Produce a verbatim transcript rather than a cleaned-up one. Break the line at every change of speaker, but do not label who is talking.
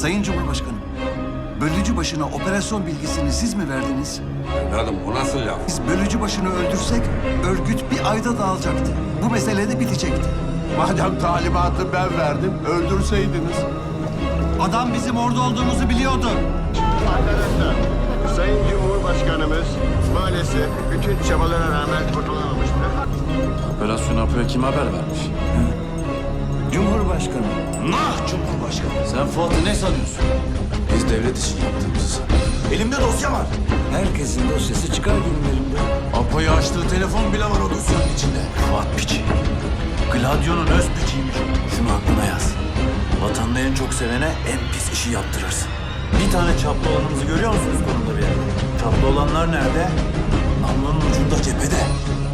Sayın Cumhurbaşkanım, bölücü başına operasyon bilgisini siz mi verdiniz?
Evladım bu nasıl laf?
Biz bölücü başını öldürsek örgüt bir ayda dağılacaktı. Bu mesele de bitecekti.
Madem talimatı ben verdim, öldürseydiniz.
Adam bizim orada olduğumuzu biliyordu.
Arkadaşlar, Sayın Cumhurbaşkanımız maalesef bütün çabalara rağmen kurtulamamıştır.
Operasyon yapıyor kim haber vermiş?
Cumhurbaşkanı. Nah Cumhurbaşkanı.
Sen Fuat'ı ne sanıyorsun? Biz devlet için yaptığımızı sanıyoruz.
Elimde dosya var. Herkesin dosyası çıkar günlerinde.
Apo'yu açtığı telefon bile var o dosyanın içinde. Fuat piçi. Gladio'nun öz piçiymiş. Şunu aklına yaz. Vatanını en çok sevene en pis işi yaptırırsın. Bir tane çaplı olanımızı görüyor musunuz konumda bir yerde? Çaplı olanlar nerede? Namlunun ucunda cephede.